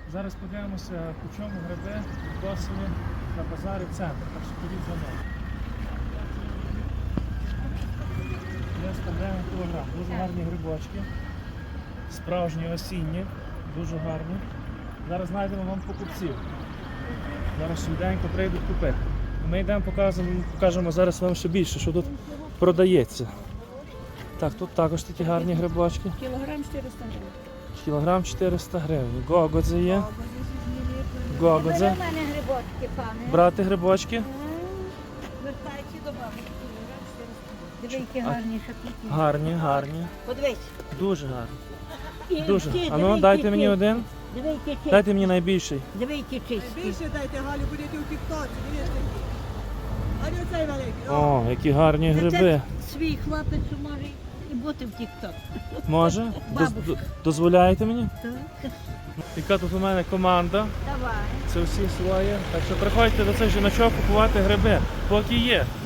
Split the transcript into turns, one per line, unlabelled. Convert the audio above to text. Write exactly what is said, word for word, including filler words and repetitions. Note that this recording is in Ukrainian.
Зараз подивимося, по чому гриби косові на базарі центр. Так що ходіть за мною. триста гривень кілограм. Дуже гарні грибочки. Справжні осінні, дуже гарні. Зараз знайдемо вам покупців. Зараз швиденько прийдуть купити. Ми йдемо, покажемо, покажемо зараз вам ще більше, що тут продається. Так, тут також такі гарні грибочки.
Кілограм чотириста гривень.
Кілограм чотириста гривень. Гогодзе є. Гогодзе.
Бери в мене грибочки, пане.
Брати грибочки.
Вертайте до бабки. Диви, які
А-
гарні шапіки.
Гарні, гарні.
Подивись.
Дуже гарні.
І
Дуже.
ці,
А
диви,
ну,
які
дайте мені
чисті.
один.
Диви, які чисті.
Дайте мені найбільший.
Диви, які чисті.
Більше дайте, Галю, будете у тік-тоці, дивіться. А не оцей великий. О,
О, які гарні гриби.
Це свій хлопець може і бути в тік-ток.
Може? Доз-
Бабушка.
д- Дозволяєте мені?
Так.
Яка тут у мене команда.
Давай.
Це всі свої. Так що приходьте до цих жіночок купувати гриби. Поки є.